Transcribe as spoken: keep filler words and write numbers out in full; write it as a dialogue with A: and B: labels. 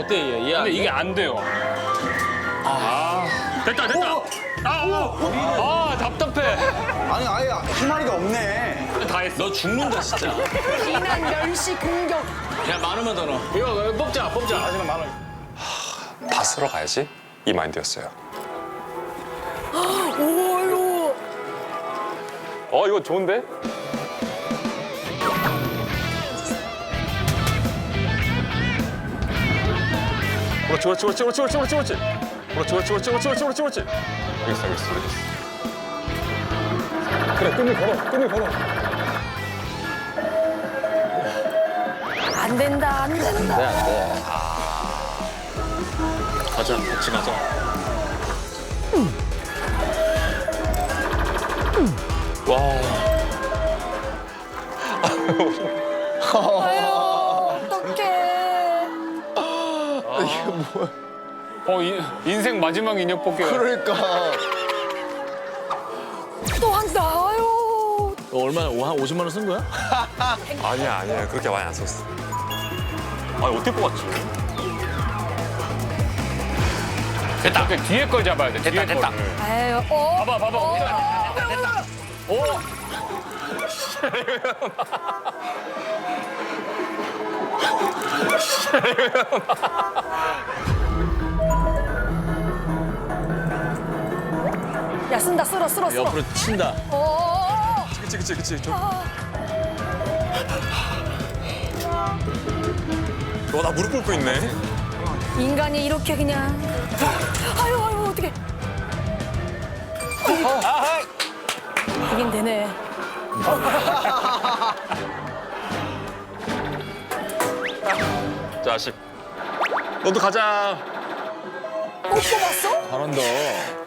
A: 어때 얘? 얘
B: 근데 이게 안 돼요. 아, 됐다 됐다. 아, 아, 아 답답해.
C: 아니 아예 희마리가 없네.
B: 다 했어.
A: 너 죽는다 진짜.
D: 비난 멸시 공격.
A: 야 많으면 더 넣어. 이거 이거 뽑자 뽑자.
C: 하지만 만 원.
E: 다 쓸어 가야지 이 마인드였어요.
D: 오요.
E: 어 이거 좋은데? 그렇지 그렇지 그렇지 그렇지 그렇지 그렇지 그렇지 그렇지 그렇지 그렇지 그렇지 그렇지 그렇지 알겠어 알겠어 알겠어. 그래 끈을 걸어 끈을 걸어.
D: 안 된다 안 된다.
A: 네, 안 돼. 가자 같이 가자.
E: 와.
D: 아유 어떡해.
B: 어, 이, 인생 마지막 인형 뽑기.
C: 그러니까.
D: 또 한다. 아유.
A: 너 얼마나 한 오십만 원 쓴 거야?
E: 아니야 아니야 그렇게 많이 안 썼어. 아니 어떻게 뽑았지?
B: 됐다. 그 뒤에 걸 잡아야 돼. 됐다 뒤에 됐다. 거를.
D: 아유 어.
B: 봐봐 봐봐.
D: 어.
B: 됐다 됐다. 오.
D: 야 쓴다 쓸어 쓸어 쓸어.
A: 옆으로 친다.
D: 어.
E: 그치 그치 그치 좀. 너나 무릎 꿇고 있네.
D: 인간이 이렇게 그냥. 아유 아유 어떡해. 이긴 되네.
E: 자식. 너도 가자.
D: 못 뽑았어?
A: 잘한다.